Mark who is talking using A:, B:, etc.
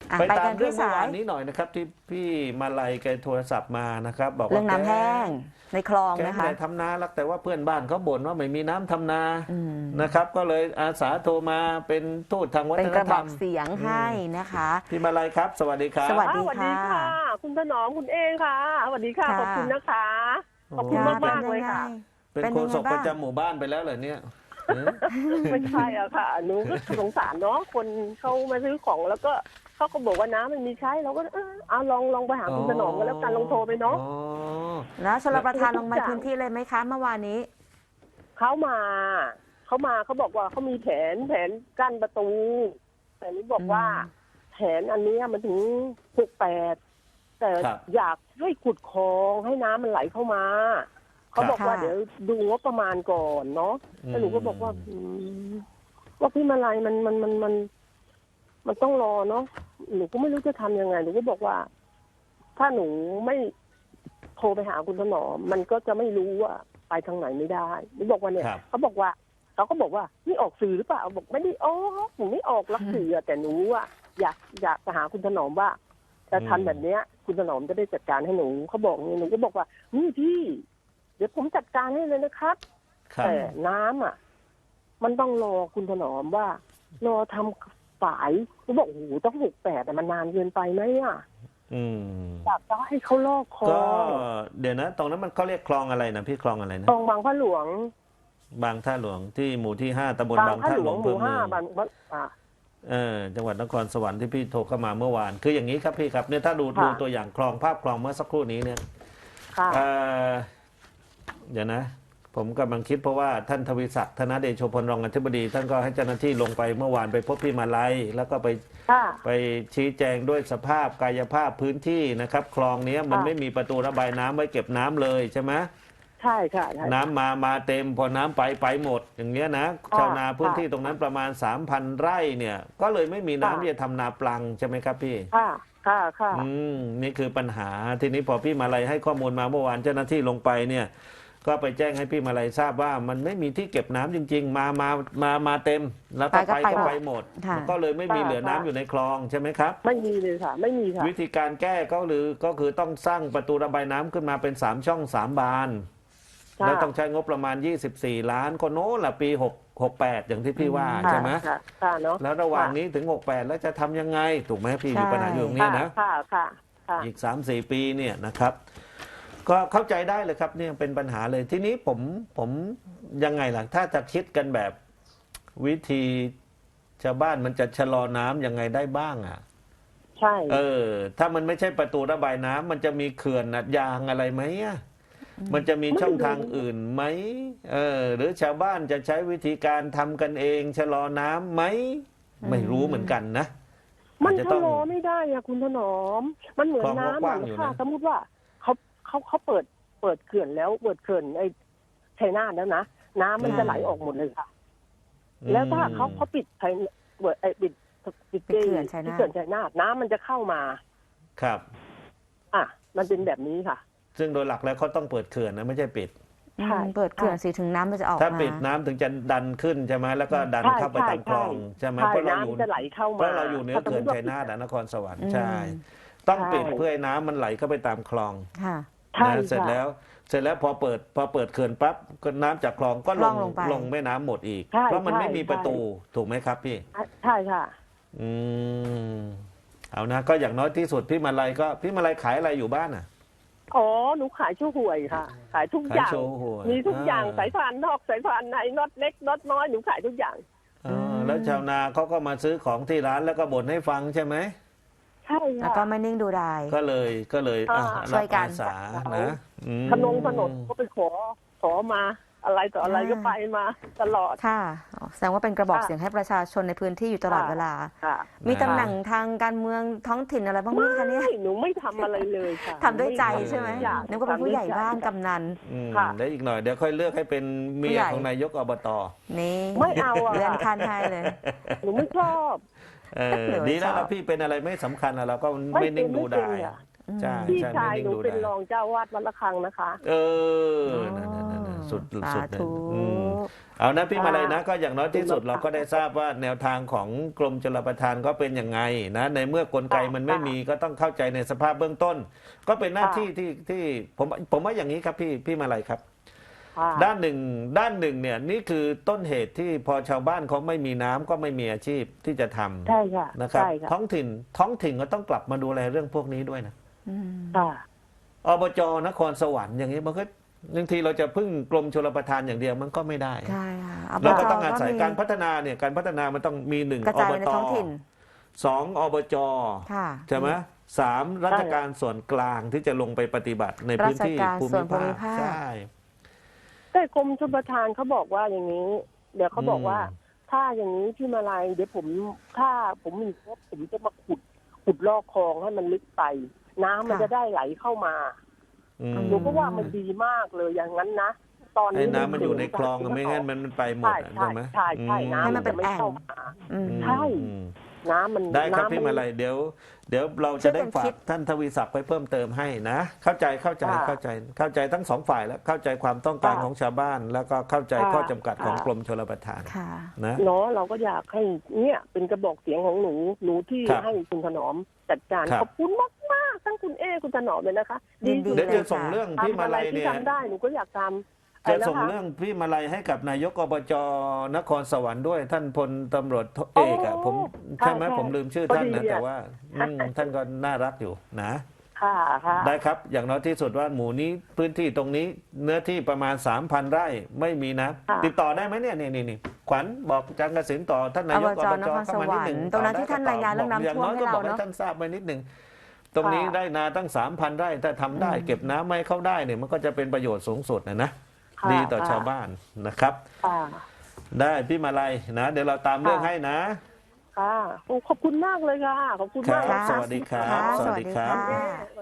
A: ไป
B: ไปกั
A: ตาม
B: น
A: เรื่
B: ที่
A: องเมื่อ
B: สา
A: วาย นนี้หน่อยนะครับที่พี่มาลัยแกโทรศัพท์มานะครับบอก
B: เรื่
A: ว่า
B: องน้ำแห้งในคลอง
A: แก
B: นะ
A: ไม่
B: คะ
A: ได้ทำนาหรอกแต่ว่าเพื่อนบ้านเขาบ่นว่าไม่มีน้ำทำนา
B: อืม
A: นะครับ ก็เลยอาสาโทรมาเป็นทูตทางวั
B: เป็น
A: ฒ
B: ก
A: น
B: ระ
A: ธ
B: บ
A: ร
B: อ
A: รม
B: กเสียงให้นะคะ
A: พี่มาลัยครับ สวัสดีครับ
B: สวัสดี
C: สวัสดีค่ะ คุณถนอมคุณเองค่ะสวัสดีค่ะ
B: ค่ะ
C: ขอบคุณนะคะ ขอบคุณ
B: ค่ะ
C: มากๆเลยค่ะ
A: เป็น
B: เป็น
A: โฆ
B: ยังไง
A: ษกป
B: บ้า
A: ระ
B: ง
A: จำหมู่บ้านไปแล้วเหรอเนี่ยเออ
C: ไม่ใช่อะค่ะหนูก็สงสารเนาะคนเขามาซื้อของแล้วก็เขาก็บอกว่าน้ำมันมีใช้เราก็เอาลองไปหาคุณถนอมกันแล้วกันลองโทรไปเนาะ
A: อ๋อ
B: แล้วชลประทานลงมา
C: ทุกอย่าง
B: พื้นที่เลยไหมคะเมื่อวานนี้
C: เขามาเขาบอกว่าเขามีแผนกั้นประตู แต่นี่บอกว่า แผนอันเนี้ยมันถึง68แต่
A: ครับ
C: อยากให้ขุดคลองให้น้ำมันไหลเข้ามาเขาบอกว่า
B: ค่ะ
C: เดี๋ยวดูงบประมาณก่อนเนาะแล้วหนูก็บอกว่าว่าพี่มาลัยมันต้องรอเนาะหนูก็ไม่รู้จะทำยังไงหนูก็บอกว่า ถ้าหนูไม่โทรไปหาคุณถนอมมันก็จะไม่รู้ว่าไปทางไหนไม่ได้หนูบอกว่าเนี่ย
A: ครับ
C: เขาก็บอกว่านี่ออกสื่อหรือเปล่าบอกไม่ได้ออกหนูไม่ออกรักสื่ออะแต่หนูอะอยากจะหาคุณถนอมว่าจะทำแบบเนี้ย คุณถนอมจะได้จัดการให้หนูเขาบอกนี่หนูก็บอกว่านี่พี่เดี๋ยวผมจัดการให้เลยนะครับ
A: ครับ
C: แต่น้ำอ่ะ มันต้องรอคุณถนอมว่ารอทำฝายเขาบอกโอ้โหต้อง68แต่มันนานเกินไปไหมอ่ะ
A: อืม
C: อยากจะให้เขาลอกคล
A: ก็
C: อง
A: เดี๋ยวนะ ตรงนั้นมันเขาเรียกคลองอะไรนะพี่คลองอะไรนะ
C: คลองบางพระหลวง
A: บางท่าหลวงที่หมู่ที่5ตำบลบาง
C: พระ
A: ท่า
C: หล
A: หล
C: ว
A: ว
C: ง
A: ง
C: หมู่
A: อำเภอเมื
C: ห้า
A: อง
C: บาง
A: จังหวัดนครสวรรค์ที่พี่โทรเข้ามาเมื่อวาน คืออย่างนี้ครับพี่ครับเนี่ยถ้าดูตัวอย่างคลองภาพคลองเมื่อสักครู่นี้เนี่ย
C: ค่ะ
A: เอ่อเดี๋ยวนะ ผมกำลังคิดเพราะว่าท่านทวีศักดิ์ธนเดโชพลรองอธิบดี ท่านก็ให้เจ้าหน้าที่ลงไปเมื่อวานไปพบพี่มาลัยแล้วก็ไป
C: ค่ะ
A: ไปชี้แจงด้วยสภาพกายภาพพื้นที่นะครับ คลองเนี้ยมัน
C: ค่ะ
A: ไม่มีประตูระบายน้ำไว้เก็บน้ำเลยใช่ไหม
C: ใช่ค่ะใช่
A: น้ำมาเต็มพอน้ำไปหมด อย่างเงี้ยนะ
C: ค่ะ
A: ชาวนาพื้นที่
C: ค่ะ
A: ตรงนั้นประมาณ 3,000 ไร่เนี่ย ก็เลยไม่มีน้ำ
C: ค่ะ
A: ที่จะทำนาปลังใช่ไหมครับพี่
C: ค่ะค่ะ
A: นี่คือปัญหาทีนี้พอพี่มาลัยให้ข้อมูลมาเมื่อวานเจ้าหน้าที่ลงไปเนี่ยก็ไปแจ้งให้พี่มาลัยทราบว่ามันไม่มีที่เก็บน้ำจริง ๆ มาเต็ม แล้วก็
B: ไปก็
A: ไป
B: ไป
A: หมด
B: ค่ะ
A: ก็เลยไม่มีเหลือน้ำอยู่ในคลองใช่ไหมครับ
C: ไม่มีเลยค่ะ ไม่มีค่ะ
A: วิธีการแก้ก็คือต้องสร้างประตูระบายน้ำขึ้นมาเป็น3ช่อง3บาน
C: ค่ะ
A: แล้วต้องใช้งบประมาณ24 ล้านก็โน้นละปี68อย่างที่พี่ว่า
C: ค่ะ
A: ใช่ไหม
C: ค่ะเนาะ
A: แล้วระหว่างนี้ถึง68แล้วจะทำยังไงถูกไหมพี่
B: ใช่
A: มีปัญหาอยู่ตรงนี้นะ
C: ค่ะ
A: อีก 3-4 ปีเนี่ยนะครับ ก็เข้าใจได้เลยครับเนี่ยเป็นปัญหาเลยทีนี้ผมยังไงล่ะถ้าจะคิดกันแบบวิธีชาวบ้านมันจะชะลอน้ำยังไงได้บ้างอ่ะ
C: ใช่
A: ถ้ามันไม่ใช่ประตูระบายน้ำมันจะมีเขื่อนยางอะไรไหมอ่ะมันจะมีช่องทางอื่นไหมหรือชาวบ้านจะใช้วิธีการทำกันเองชะลอน้ำไหมไม่รู้เหมือนกันนะ
C: มัน
A: อาจจะ
C: ชะ
A: ต้อง
C: ลอไม่ได้อะคุณถนอม มันเหมือน
A: คลองก็
C: น้ำ
A: ก
C: อะ
A: ว้างอยู่นะ
C: ค่ะสมมติว่าเขาเปิดเขื่อนแล้วเปิดเขื่อนไอ้ชัยนาทแล้วนะน้ำมันจะไหลออกหมดเลยค่ะ แล้วถ้าเขาปิดชัยปิด
B: เขื่อนชัยนาท
C: ที่เขื่อนชัยนาทน้ำมันจะเข้ามา
A: ครับ
C: มันเป็นแบบนี้ค่ะ
A: ซึ่งโดยหลักแล้วเขาต้องเปิดเขื่อนนะไม่ใช่ปิด
C: ใช่
B: เปิดเขื่อนสิถึงน้ำมันจะออก
A: ถ้า
B: มา
A: ปิดน้ำถึงจะดันขึ้นใช่ไหมแล้วก็ดัน
C: ใช่
A: เข้าไปตามคลองใช่ไหม
C: ใช่
A: เพราะเราอยู่
C: น้ำจะไหลเข้ามา
A: เพราะเราอยู่เหนือเขื่อนชัยนาทนครสวรรค์ใช่ต้องปิดเพื่อให้น้ำมันไหลเข้าไปตามคลอง
B: ค่ะ
C: ใช่
A: นะเสร็จ
C: ค่ะ
A: แล้วพอเปิดเขื่อนปั๊บก็น้ำจากคลองก็
B: คลองลงไป
A: ลงแม่น้ำหมดอีก
C: ใช่
A: เพราะมัน
C: ใช่
A: ไม่มีประตู
C: ใช่
A: ถูกไหมครับพี่
C: ใช่ค่ะ
A: อืมเอานะก็อย่างน้อยที่สุดพี่มาลัยขายอะไรอยู่บ้านอ่ะ
C: อ๋อหนูขายชั่วห่วยค่ะ ขายทุกอ
A: ขาย
C: ย่าง
A: โชว์หวย
C: มีทุกอย่างสายพานนอกสายพานในน็อตเล็กน็อตน้อยหนูขายทุกอย่าง
A: แล้วชาวนาเขาก็มาซื้อของที่ร้านแล้วก็บ่นให้ฟังใช่ไหม
C: ใช่
B: แล้ว
C: ค่ะ
B: ก็ไม่นิ่งดูดาย
A: ก็เลย
B: ช่วยกัน
A: รับอาสานะอืม
C: ถนนก็ไปขอมาอะไรต่ออะไรก็ไปมาตลอด
B: ค่ะแสดงว่าเป็นกระบอก
C: ค่ะ
B: เสียงให้ประชาชนในพื้นที่อยู่ตลอดเวลา
C: ค่ะ
B: มีตำแหน่งทางการเมืองท้องถิ่นอะไรบ้างไหมคะเนี่ย
C: หนูไม่ทำอะไรเลยค่ะ
B: ทำด้วยใจใช่ไหม
C: อยาก
B: นึกว่าเป็นผู้ใหญ่บ้านกำนัน
C: ค่ะ
A: เดี๋ยวอีกหน่อยเดี๋ยวค่อยเลือกให้เป็นเมียของนายกอบต
B: นี่
C: ไม่เอาอะ
B: เลื่อนขั้นให้เลย
C: หนูไม่ชอบ
A: ดีแล้ว
B: ชอบ
A: พี่เป็นอะไรไม่สำคัญอะเราก็ไม่นิ่งดูได้
C: ไม่เป็นอะ
A: ใช่
C: พี่
A: ใช่
C: ชาย
A: ไม่นิ่ง
C: หนู
A: ดู
C: เป็น
A: ได้
C: รองเจ้าวาดวัดละคังนะคะ
A: นั่นสุด
B: สา
A: สุด
B: ธุ
A: อืมเอานะพี่มาลัยนะก็อย่างน้อยที่สุด
C: ค่ะ
A: เราก็ได้ทราบว่าแนวทางของกรมชลประทานก็เป็นยังไงนะในเมื่อกลไกมันไม่มีก็ต้องเข้าใจในสภาพเบื้องต้น ก็เป็นหน้าที่ที่ผมว่าอย่างนี้ครับพี่มาลัยครับ
C: ค่ะ
A: ด้านหนึ่งเนี่ยนี่คือต้นเหตุที่พอชาวบ้านเขาไม่มีน้ำก็ไม่มีอาชีพที่จะทำ
C: ใช่ค่ะ
A: นะครับ
C: ใช่ค่ะ
A: ท้องถิ่นก็ต้องกลับมาดูแลเรื่องพวกนี้ด้วยนะ
B: อืม
C: ค่ะ
A: อบจนครสวรรค์อย่างนี้มันก็บางทีเราจะพึ่งกรมชลประทานอย่างเดียวมันก็ไม่ได้
B: ใช่ค่ะ
A: เราก็ต้อง
B: บจ
A: อาศัย
B: มี
A: การพัฒนาเนี่ยการพัฒนามันต้องมีหนึ่ง
B: กระ
A: อ
B: จาย
A: บ
B: ไปใน
A: ต
B: ท้องถิ่น
A: สองอบจ
B: ค่ะ
A: ใช่ไหมสามราชการส่วนกลางที่จะลงไปปฏิบัติในพื้นที่
B: ราชการ
A: ภู
B: ส่ว
A: มิ
B: นภูมิ
A: ภาค
B: ภาค
A: ใช่
C: แต่กรมชลประทานเขาบอกว่าอย่างนี้ เดี๋ยวเขาบอกว่า
A: อืม
C: ถ้าอย่างนี้พี่มาลัยเดี๋ยวถ้าผมมีงบผมจะมาขุดลอกคลองให้มันลึกไป น้ำมัน
B: ค่ะ
C: จะได้ไหลเข้ามา
A: อืม
C: หนูก็ว่ามันดีมากเลยอย่างนั้นนะตอน
A: ไอ้
C: นี้
A: น้ำมันอยู่ในคลองอะไม่งั้นมันไปหมด
C: ใช่
A: อะ
C: ใช่
A: ใช่ไหม
C: ใช่ใช่
A: อื
C: น้ำ
B: ให้มั
C: มัน น
B: เป็
C: จะ
B: น
C: ไม่
B: แอ่ง
C: เข้ามา
B: อืม
C: ใช่
A: อืม
C: น้ำมัน
A: ได้ครับ
C: น้ำ
A: พี่มาลัยเดี๋ยวเรา
B: ช่
A: จะ
B: วยกัน
A: ได้ฝา
B: คิ
A: ก
B: ด
A: ท่านทวีศักดิ์ไปเพิ่มเติมให้นะ เข้าใจเข้าใจทั้งสองฝ่ายแล้วเข้าใจความต้องการของชาวบ้าน แล้วก็เข้าใจข้อจำกัดของกรมชลประทาน
B: ค่ะ
A: นะ
C: เนาะเราก็อยากให้เนี่ยเป็นกระบอกเสียงของหนูที่
A: ครับ
C: ให้คุณถนอมจัดการ
A: ครับ
C: ขอบคุณมากทั้งคุณคุณถนอมเลยนะคะ
B: ยินดี
A: เดี๋ยว
B: ล
A: จะส่งเรื่องพี่
C: ทำ
A: มา
C: อะไร
A: ลัย
C: ที่
A: เนี่ย
C: ทำได้หนูก็อยากทำ
A: จะส่งเรื่องพี่มาลัยให้กับนายกอบจนครสวรรค์ด้วยท่านพลตำรวจเอกอะผมใช่ไหมผมลืมชื่อท่านนะแต่ว่าท่านก็น่ารักอยู่นะ
C: ค่ะค่ะ
A: ได้ครับอย่างน้อยที่สุดว่าหมู่นี้พื้นที่ตรงนี้เนื้อที่ประมาณ 3,000 ไร่ไม่มีนะ
C: ค่ะ
A: ติดต่อได้ไหมเนี่ยนี่ขวัญบอกจังกสินต่อท่านนายก
B: อบจนครสวรรค์ตรงนั้นที่ท่านรายงานเรื่องน้ำท่วมให้เรา
A: อย่างน้อยก็บอกให้
B: เนอะ
A: ท่านทราบไปนิดหนึ่งตรงนี้ได้นาตั้ง 3,000 ไร่ถ้าทำได้เก็บน้ำไม่เข้าได้เนี่ยมันก็จะเป็นประโยชน์สูงสุดนะ
C: ค่ะ
A: ดีต่อชาวบ้านนะครับ
C: ค่ะ
A: ได้พี่มาลัยนะเดี๋ยวเราตามเรื่องให้นะ
C: ค่ะโอ้ขอบคุณมากเลยค่ะ ขอบคุณ
A: ค
C: มา
A: รั
C: ก
A: บ
C: นะ
A: สวัสดีครับ
B: ค่ะ
A: สวัสดีครับ
B: สวัสดีค่ะ